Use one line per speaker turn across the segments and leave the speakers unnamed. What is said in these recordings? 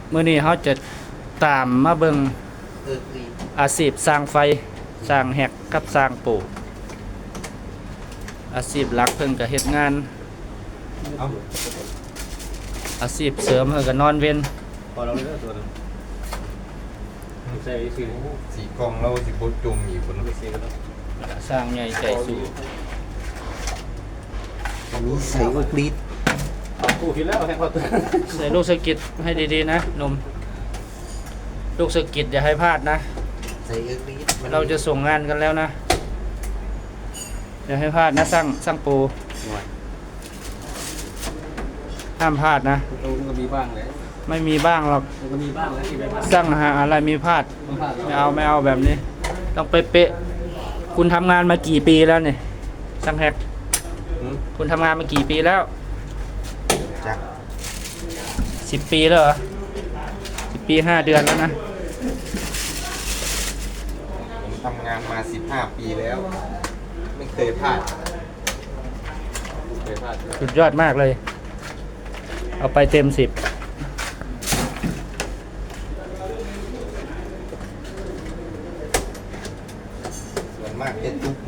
มื้อนี้เขาจะตามมาเบิ่งอาชีพสร้างไฟสร้างแหกกับสร้างปูอาชีพหลักเพิ่นก็เฮ็ดงานอาชีพเสริมเพิ่นก็นอนเว้น
พอเราเลือกตัวนึงใส่สี
สีกองเราสิบดจุ่มอีกคน
ไม่เสียก็ต้อง
สร้างใหญ่ใจสูง
นี้ใส่อุกฤษ
เอาคู่ที่แล้วแทงพอตัว
ใส่ลูกสะกิดให้ดีๆนะหนุ่มลูกสะกิดอย่าให้พลาดนะ
ใส่อุกฤษ
เราจะส่งงานกันแล้วนะอย่าให้พลาดนะสร้างปูห้ามพลาดนะ
มันก็มีบ้างเลย
ไม่มีบ้างหรอก
มันก็มีบ้างแล้วที่ไม่พลาด
สร้างหาอะไรมีพลาด
ต้องพลาด
ไม่เอาแบบนี้ ต้องเป๊ะๆคุณทำงานมากี่ปีแล้วเนี่ยช่างแฮกคุณทำงานมากี่ปีแล้ว
จัก
10 ปีแล้วเหรอ10 ปี 5 เดือนแล้วนะ
ผมทำงานมา15 ปีแล้ว ไม่เคยพลาด
ไม่พลาด
สุดยอดมากเลย เอาไปเต็ม 10
ส่วนมากจะตุ๊ก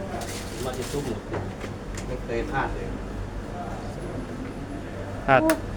มาจะตุ้ม
ไม่เคยพลาดเลย
พลาด